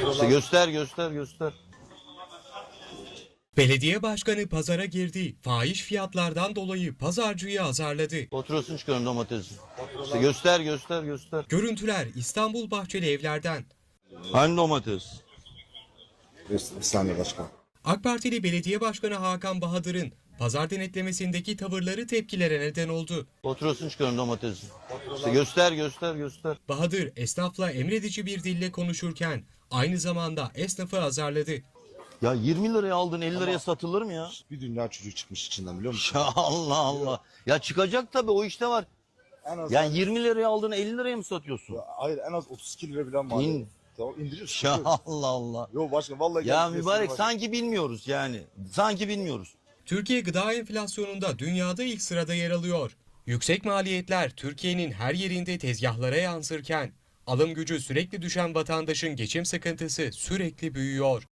İşte göster. Belediye başkanı pazara girdi. Fahiş fiyatlardan dolayı pazarcıyı azarladı. Faturasını çıkarın domatesin. İşte göster. Görüntüler İstanbul Bahçeli Evler'den. Hani domates? Bir saniye başkan. AK Partili Belediye Başkanı Hakan Bahadır'ın pazar denetlemesindeki tavırları tepkilere neden oldu. Faturasını çıkarın domatesin. İşte göster. Bahadır esnafla emredici bir dille konuşurken aynı zamanda esnafı azarladı. Ya 20 liraya aldın 50 liraya satılır mı ya? Bir dünya çocuk çıkmış içinden biliyor musun? Ya Allah. Ya çıkacak tabii o işte var. En az Yani 20 liraya aldığını 50 liraya mı satıyorsun? hayır en az 32 lira falan var. İn. Tamam indiriyorsun. Ya Allah. Yok başkan vallahi Ya geldi, mübarek başkan. sanki bilmiyoruz yani. Sanki bilmiyoruz. Türkiye gıda enflasyonunda dünyada ilk sırada yer alıyor. Yüksek maliyetler Türkiye'nin her yerinde tezgahlara yansırken alım gücü sürekli düşen vatandaşın geçim sıkıntısı sürekli büyüyor.